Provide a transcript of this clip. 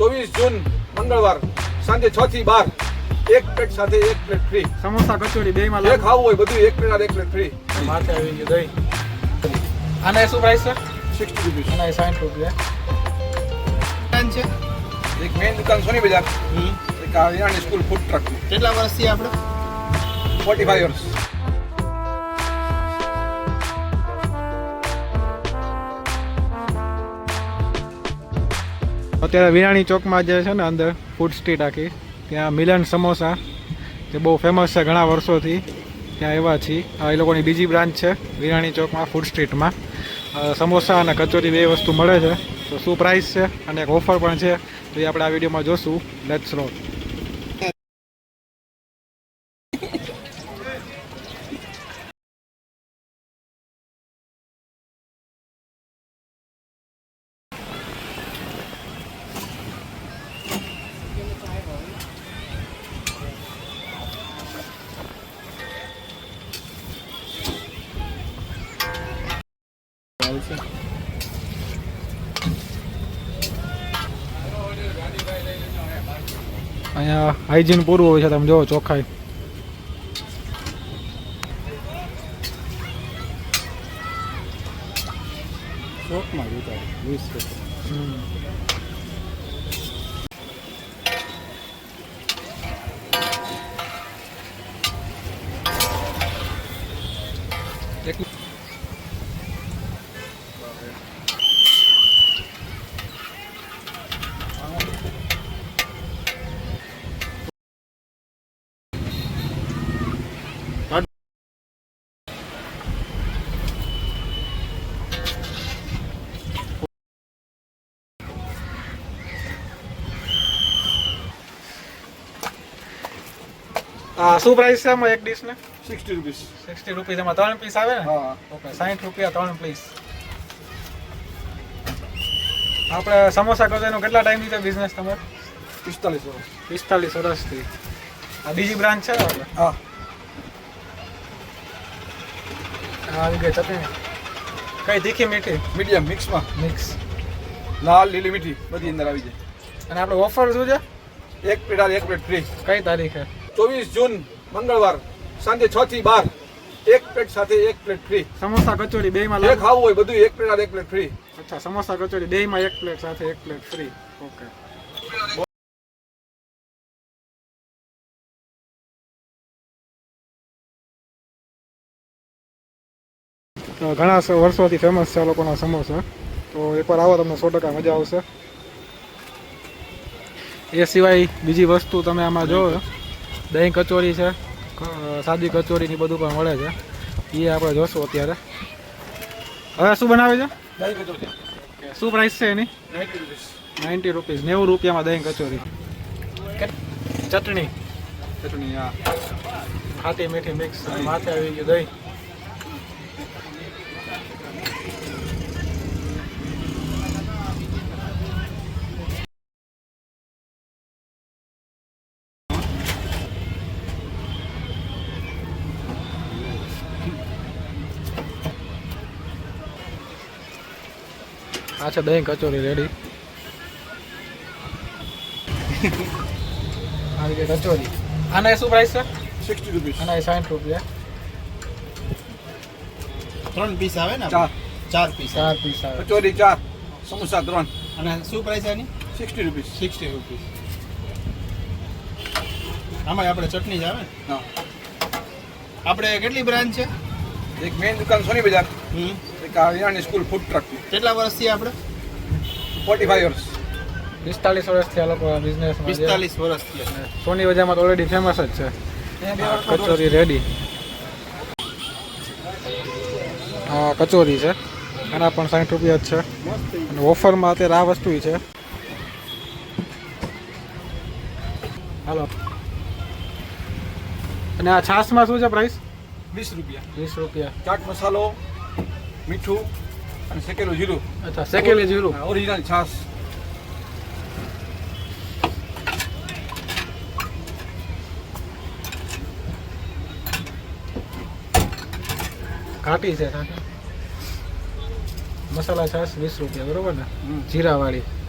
24 જૂન મંગળવાર સાંજે 6 થી 12 એક પ્લેટ સાથે એક પ્લેટ ફ્રી. સમોસા કચોરી બે માં જે ખાવું હોય બધું એક પ્લેટ એક પ્લેટ ફ્રી. માથે આવી ગયું દહીં. આના શું પ્રાઇસ છે? 60 રૂપીસ. આના 60 રૂપિયા છે. એક મેઇન દુકાન સોની બજાર, એક આ વિરાણી સ્કૂલ ફૂડ ટ્રક. કેટલા વર્ષથી આપણે? 45 વર્ષ. અત્યારે વિરાણી ચોકમાં જે છે ને અંદર ફૂડ સ્ટ્રીટ આખી, ત્યાં મિલન સમોસા જે બહુ ફેમસ છે ઘણા વર્ષોથી, ત્યાં એવા છીએ. એ લોકોની બીજી બ્રાન્ચ છે વિરાણી ચોકમાં ફૂડ સ્ટ્રીટમાં. સમોસા અને કચોરી બે વસ્તુ મળે છે. તો શું પ્રાઇસ છે અને એક ઓફર પણ છે તો એ આપણે આ વિડીયોમાં જોશું. Let's role. અહીંયા હાઇજીન પૂરું હોય છે, તમે જોવો ચોખ્ખાઈ. ચોકમાં જોતા 20 શું પ્રાઇસ છે આમાં એક ડીશ ને? 60 રૂપીસ. 60 રૂપીસ. એમાં 3 પીસ આવે ને? હા. ઓકે, 60 રૂપિયા 3 પીસ. આપણે સમોસા કચોરીનો કેટલા ટાઈમથી છે બિઝનેસ તમારે? 45 વર્ષ. 45 વર્ષથી. આ બીજી બ્રાન્ચ છે ને આપણે? હા. આવી ગઈ ચટણી. કઈ તીખી મીઠી? મીડિયમ મિક્સમાં. મિક્સ. લાલ લીલી મીઠી બધી અંદર આવી જાય. અને આપણે ઓફર શું છે? એક પ્લેટ એક પ્લેટ ફ્રી. કઈ તારીખે? 24 જૂન મંગળવાર સાંજે 6 થી 12 એક પ્લેટ સાથે એક પ્લેટ ફ્રી. સમોસા કચોરી બે માં જે ખાવું હોય બધું એક પ્લેટ એક પ્લેટ ફ્રી. અચ્છા, સમોસા કચોરી બે માં એક પ્લેટ સાથે એક પ્લેટ ફ્રી. ઓકે. તો ઘણા વર્ષોથી ફેમસ છે આ લોકોના સમોસા. તો એકવાર આવો તમને 100% મજા આવશે. એ સિવાય બીજી વસ્તુ તમે આમાં જોવો, દહીં કચોરી છે, સાદી કચોરીની બધું પણ મળે છે. એ આપણે જોશું અત્યારે. હવે શું બનાવે છે? દહીં કચોરી. શું પ્રાઇસ છે એની? 90 રૂપીસ. 90 રૂપીસ. 90 રૂપિયામાં દહીં કચોરી. ચટણી. ચટણી. હા. ખાટી મીઠી મિક્સ. માથે આવી ગયું દહીં. આ છે દહીં કચોરી રેડી. આવી ગઈ કચોરી. આના શું પ્રાઇસ છે? 60 રૂપીસ. આના 60 રૂપિયા. 3 પીસ આવે ને? 4 પીસ. 4 પીસ આવે. કચોરી 4, સમોસા 3. અને શું પ્રાઇસ આની? 60 રૂપીસ. 60 રૂપીસ. આમાં આપણે ચટણી જ આવે ને? હા. આપણે કેટલી બ્રાન્ચ છે? એક મેઇન દુકાન સોની બજાર, એક આ વિરાણી સ્કૂલ ફૂડ ટ્રક. કેટલા વર્ષથી આપણે? 45 વર્ષ. 45 વર્ષથી આ લોકો બિઝનેસમાં 45 વર્ષથી. સોની બજારમાં તો ઓલરેડી ફેમસ જ છે. કચોરી રેડી. હા, કચોરી છે. આના પણ 60 રૂપિયા જ છે. અને ઓફરમાં અત્યારે આ વસ્તુ છે. હાલો. અને આ છાશમાં શું છે પ્રાઇસ? 20 રૂપિયા. 20 રૂપિયા. ચાટ મસાલો, મીઠું અને શેકેલું જીરું. અચ્છા, શેકેલી જીરું. ઓરિજિનલ છાશ. ઘાટી છે. મસાલા છાશ 20 રૂપિયા, બરોબર ને? જીરા વાળી.